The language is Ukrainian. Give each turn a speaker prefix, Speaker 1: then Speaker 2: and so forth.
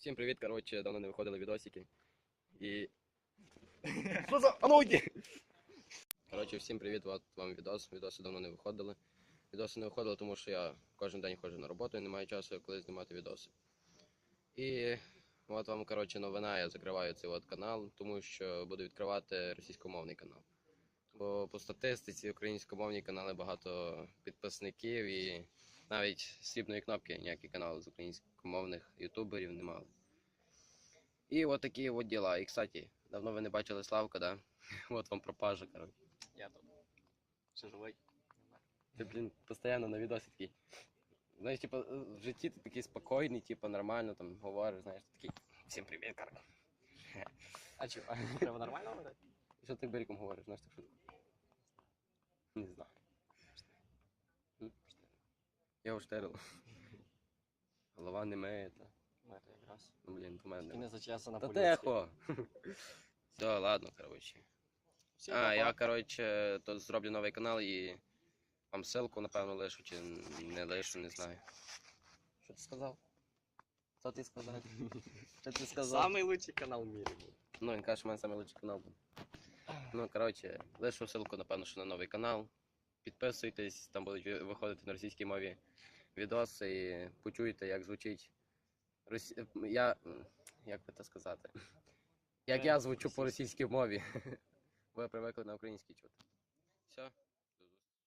Speaker 1: Всім привіт, коротше, давно не виходили відосики. І... Що за... А ну йди! Коротше, всім привіт, от вам відос. Відоси давно не виходили. Відоси не виходили, тому що я кожен день ходжу на роботу і не маю часу, коли знімати відоси. І от вам, коротше, новина, я закриваю цей от канал, тому що буду відкривати російськомовний канал. Бо по статистиці українськомовні канали багато підписників і навіть срібної кнопки ніякі канали з українськомовних ютуберів не мали. І от такі от діла. І, кстати, давно ви не бачили Славка, да? От вам пропажа, коротше.
Speaker 2: Я тут. Все живий.
Speaker 1: Ти, блін, постійно на відосі такий. Знаєш, типу, в житті ти такий спокійний, типу, нормально там говориш, знаєш, ти такий. Всім привіт, коротше.
Speaker 2: А чого? Треба нормально говорити?
Speaker 1: І що ти берегом говориш, знаєш, так шутку? Не знаю. Я уштерил. Голова не миє, та.
Speaker 2: Ми то якраз.
Speaker 1: Ну, блін, по мене.
Speaker 2: І не зачесана
Speaker 1: Та
Speaker 2: поліція.
Speaker 1: тихо! Все, ладно, коротше.
Speaker 2: Всім
Speaker 1: А,
Speaker 2: па-па.
Speaker 1: я, коротше, тут зроблю новий канал і вам ссылку, напевно, лишу, чи не лишу, не знаю. Що ти сказав? Що ти сказав? Що ти сказав?
Speaker 2: Самий лучший канал в мірі був.
Speaker 1: Ну, він каже, що в мене найкращий канал буде. Ну, коротше, лишу ссылку, напевно, що на новий канал. Підписуйтесь, там будуть виходити на російській мові відоси і почуєте, як звучить як би це сказати? Як я звучу по російській мові. Ви привикли на українській чути. Все.